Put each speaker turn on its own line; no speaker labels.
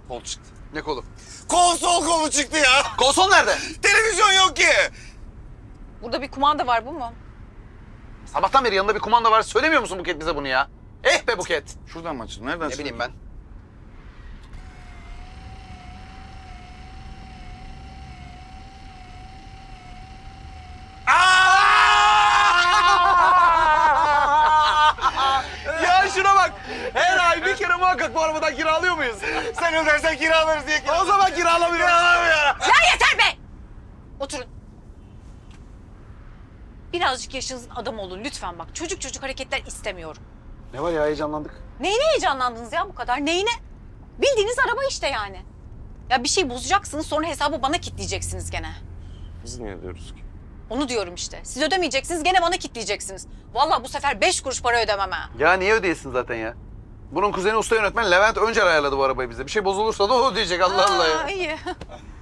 Kol çıktı.
Ne kolu?
Konsol kolu çıktı ya.
Konsol nerede?
Televizyon yok ki.
Burada bir kumanda var, bu mu?
Sabahtan beri yanında bir kumanda var. Söylemiyor musun Buket bize bunu ya? Eh be Buket.
Şuradan mı açılır? Nereden
Ne bileyim ben.
Ya şuna bak. Her ay bir kere muhakkak bu arabadan kiralıyor muyuz? Sen ödersen kiralarız diye. O zaman kiralamıyoruz. Kiralamıyor.
Ya yeter be! Oturun. Birazcık yaşınızın adamı olun lütfen bak. Çocuk çocuk hareketler istemiyorum.
Ne var ya, heyecanlandık.
Neyine heyecanlandınız ya bu kadar? Neyine? Bildiğiniz araba işte yani. Ya bir şey bozacaksınız sonra hesabı bana kitleyeceksiniz gene.
Biz niye diyoruz ki?
Onu diyorum işte. Siz ödemeyeceksiniz gene bana kitleyeceksiniz. Vallahi bu sefer 5 kuruş para ödemem ha.
Ya niye ödeyesin zaten ya? Bunun kuzeni usta yönetmen Levent Öncer ayarladı bu arabayı bize. Bir şey bozulursa da o ödeyecek, Allah Allah ya.
İyi.